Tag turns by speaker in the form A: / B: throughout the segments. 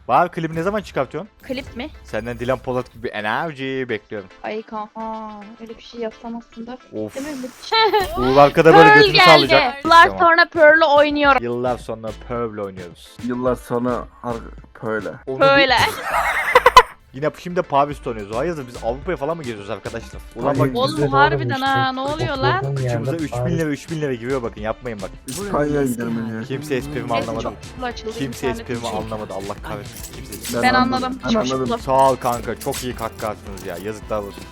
A: Bari klibi ne zaman çıkartıyorsun?
B: Klip mi?
A: Senden Dilan Polat gibi bir enerji bekliyorum.
B: Ay kanka öyle bir şey yapsam aslında.
A: Of.
B: Değil mi?
A: Uğur arkada böyle
B: Pearl
A: götünü
B: geldi.
A: sallayacak.
B: Yıllar
A: Tamam.
B: sonra Pearl'ü oynuyorum.
A: Yıllar sonra Pearl'le oynuyoruz.
C: Yıllar sonra böyle.
A: Onu
B: Böyle.
A: Yine şimdi Paris'te oynuyoruz. Hayırdır biz Avrupa'ya falan mı geziyoruz arkadaşlar? Ulan bak
B: Oğlum harbiden ha ne oluyor lan?
A: kıçımıza 3000 lira giriyor bakın yapmayın bak.
C: İspanya'ya gidelim ya.
A: Kimse esprimi
B: Neyse
A: anlamadı.
B: çok kutlu açıldı.
A: Kimse
B: internet
A: esprimi
B: için.
A: anlamadı. Allah kahretsin. Kimse esprimi
B: Ben anladım.
C: Ben
B: Çok
C: anladım.
B: kutlu.
A: Sağ ol kanka. Çok iyi kakka attınız ya. Yazıklar olsun.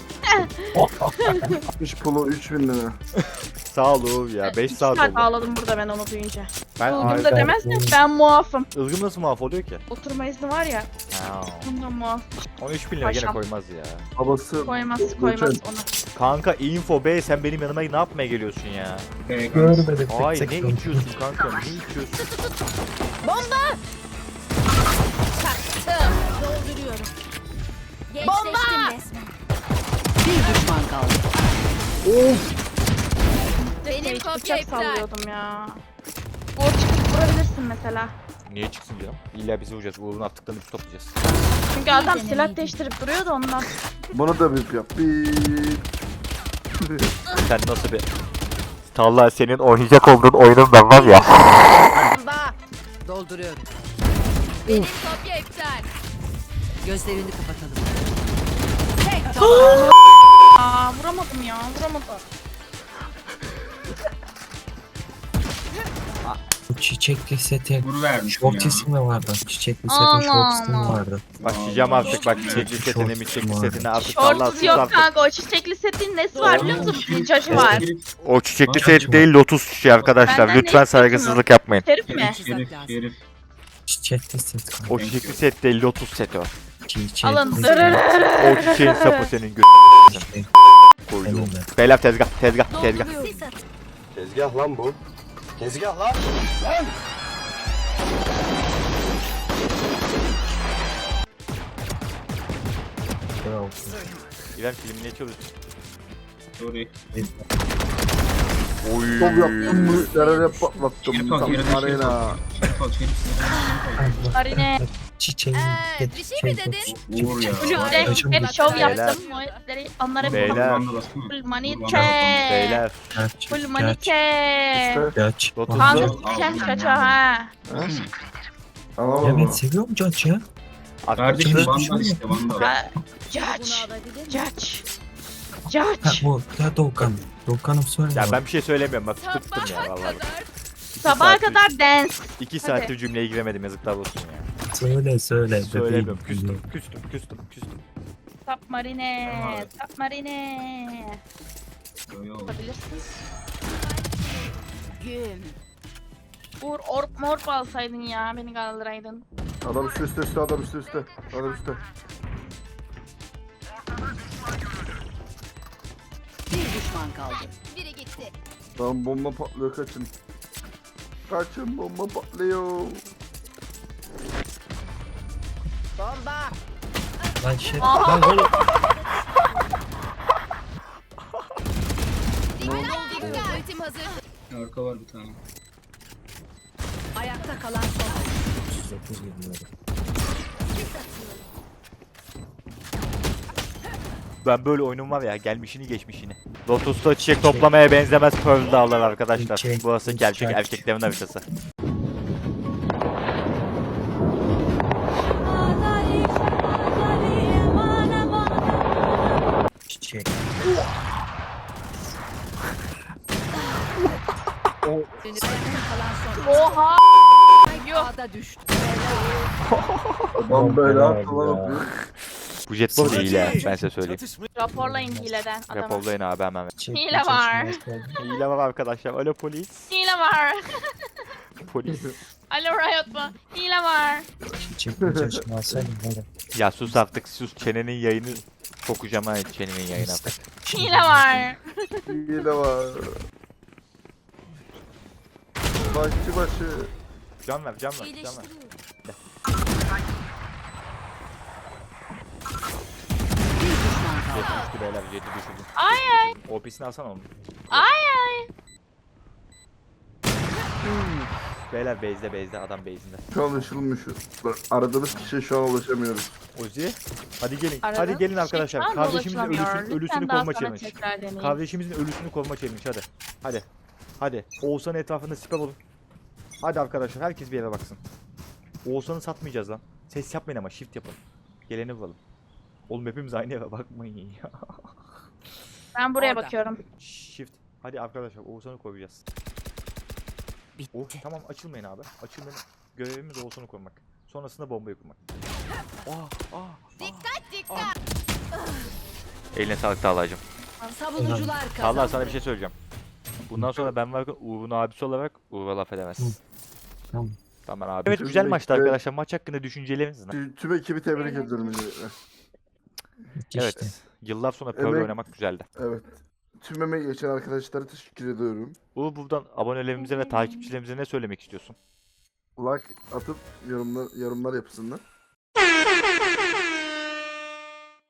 C: 3 pulu 3000 lira.
A: Sağ ol Uğur ya. 5
B: İki
A: saat
B: saat
A: oldu.
B: ağladım burada ben onu duyunca.
A: Ben
B: Ilgım da demez mi? Ben muafım.
A: Ilgım nasıl mahvoluyor ki?
B: Oturma izni var ya.
A: Ha.
B: Bundan muaf.
A: 13 bin lira gene
B: Paşam.
A: koymaz ya.
C: Babası
B: Koymaz
C: Göçen.
B: ona.
A: Kanka info B sen benim yanıma ne yapmaya geliyorsun ya?
D: Görmedim.
A: Ay ne içiyorsun kanka ne içiyorsun?
E: Dolduruyorum. Bomba!
F: Bir düşman kaldı.
E: Benim kopya
B: Bıçak
E: iptal.
B: sallıyordum ya. Uğur çıkıp vurabilirsin mesela.
A: Niye çıksın canım? İlla bizi vuracağız. Uğur'un attıklarını biz toplayacağız.
B: Çünkü adam silah değiştirip duruyor da ondan.
C: bunu da bip yap. Bip.
A: Sen nasıl bir... Talha senin oynayacak olduğun oyunun ben var ya.
F: Dolduruyorum.
E: Benim kopya iptal.
F: Gözlerini kapatalım.
B: Aa vuramadım ya vuramadım.
D: Çiçekli seti.
G: Vur vermiş
D: Short
G: ya.
D: ismi vardı. Çiçekli
B: Allah
D: setin short ismi
B: Allah.
D: vardı.
A: Başlayacağım artık bak çiçekli
D: Short
A: setini
D: ismi
A: miçekli
D: vardı.
A: setini artık Talha
B: Shorts
A: sus
B: yok
A: artık.
B: kanka o çiçekli setin nesi var biliyor musun? Bir cacı var.
A: O çiçekli set değil lotus çiçeği arkadaşlar.
B: Benden ne
A: Lütfen
B: istiyorsun?
A: saygısızlık yapmayın.
B: Herif mi?
G: Herif.
D: Çiçekli set kanka.
A: O çiçekli set değil lotus set o.
D: Çiçekli
B: Alın.
D: set.
A: O çiçeğin sapı senin
D: İşte,
A: koyduğum.
D: elimde.
A: Beyler tezgah tezgah tezgah.
E: Sis at.
H: Tezgah lan bu. Tezgah lan.
D: Bravo.
A: İrem filmi ne çalıyorsun?
G: Sorry.
A: Oy.
C: Top yaptım mı? Nerede patlattım?
G: Şerif al,
C: Tam
G: şerif al,
C: arena.
G: Şerif al, şerif
B: Arine.
D: Çiçeğin
E: Bir şey mi dedin?
G: Uğur ya.
B: Kulüpte
D: Kaçın
B: hep
D: bak.
B: şov
A: Beyler.
B: yaptım. Muhabbetleri onlara
A: Beyler.
B: bir
G: Banda bassana.
B: full money
G: Banda
B: check.
A: Beyler.
B: Full money check.
D: Geç.
A: Lotus.
B: Kanka
G: Al,
B: sikeceğim
G: al.
B: çaça ha.
C: Tamam
D: Ya ben
C: mı?
D: seviyorum George ya.
G: Kardeşim
D: Arkadaşlar,
G: banda işte banda.
B: Ha, Judge. Judge.
D: Ha
B: Judge.
D: bu ya Doğukan. Doğukan'ım söyle.
A: Ya ben bir şey söylemiyorum bak tuttum ya
E: Sabaha
A: vallahi.
E: kadar.
B: Sabaha kadar dance.
A: 2 saattir cümleye giremedim yazıklar olsun ya.
D: Söyle.
A: Söylemiyorum
D: bebeğim.
A: küstüm.
B: Tap marine.
G: Tamam.
B: Tap marine.
G: Yo, yo.
B: Yapabilirsin.
E: Güm.
B: Uğur orp morp alsaydın ya beni kaldıraydın.
C: Adam üstte adam üstte. Adam üstte.
F: Bir düşman kaldı.
E: Biri gitti.
C: Tamam bomba patlıyor kaçın. Kaçın bomba patlıyor.
D: Lan şey. Lan oğlum.
E: Dikkat. Ultim hazır.
G: Arka var bir tane.
F: Ayakta kalan son.
D: 39 yılları.
A: Ben böyle oyunum var ya gelmişini geçmişini. Lotus'ta çiçek toplamaya benzemez Pearl Dağlar arkadaşlar.
D: Çiçek,
A: Burası gerçek
D: çiçek.
A: erkeklerin haritası.
D: Çiçek.
B: Oha.
F: A'da düştü.
C: Adam böyle
D: Bomba
C: attı lan
D: ya.
C: yapıyor.
A: Bu jet bu değil ya ben size söyleyeyim.
B: Raporlayın hileden adamı.
A: Raporlayın abi hemen.
D: Çiçek,
B: Hile var.
A: Hile var arkadaşlar. Alo polis.
B: Hile var.
A: Polis.
B: Alo Riot mu? Hile var.
D: Çiçek çeşme alsaydım böyle.
A: Ya sus artık sus. Çenenin yayını sokacağım ha çenenin yayını artık.
B: Hile var.
C: Hile var. Başı.
A: Can ver can ver can ver.
E: İyileştiriyorum.
F: Bir düşman kaldı.
A: Jet düştü beyler jeti düşürdüm.
B: Ay ay.
A: OP'sini alsana onu.
B: Ay ay.
A: Beyler base'de adam base'inde.
C: Şu an ışılmış. Aradığımız kişiye şu an ulaşamıyoruz.
A: Ozi. Hadi gelin.
B: Aradığınız
A: Hadi gelin
B: kişi
A: arkadaşlar.
B: şu an
A: Kardeşimizin
B: ulaşılamıyor.
A: ölüsünü
B: Lütfen
A: kovma
B: daha sonra
A: challenge.
B: tekrar deneyin.
A: Kardeşimizin ölüsünü kovma challenge hadi. Hadi. Hadi. Oğuzhan'ın etrafında siper olun. Hadi arkadaşlar herkes bir yere baksın. Oğuzhan'ı satmayacağız lan. Ses yapmayın ama shift yapın. Geleni bulalım. Oğlum hepimiz aynı eve bakmayın ya.
B: Ben buraya
F: Orada.
B: bakıyorum.
A: Shift. Hadi arkadaşlar Oğuzhan'ı koyacağız.
F: Bitti.
A: Oh tamam açılmayın abi. Açılmayın. Görevimiz Oğuzhan'ı korumak. Sonrasında bombayı kurmak.
E: Dikkat.
A: Eline sağlık Talha'cığım.
F: Savunucular kazandı.
A: Talha sana bir şey söyleyeceğim. Bundan sonra ben varken Uğur'un abisi olarak Uğur'a laf edemezsin.
D: Tamam.
A: Tamam abi. Evet güzel maçtı arkadaşlar. Maç hakkında düşünceleriniz ne?
C: Tüm ekibi tebrik ediyorum öncelikle.
A: Evet.
D: İşte.
A: Yıllar sonra Pearl
C: Emek-
A: oynamak güzeldi.
C: Evet. Tüm emeği geçen arkadaşlara teşekkür ediyorum.
A: Uğur buradan abonelerimize ve takipçilerimize ne söylemek istiyorsun?
C: Like atıp yorumlar yapsınlar.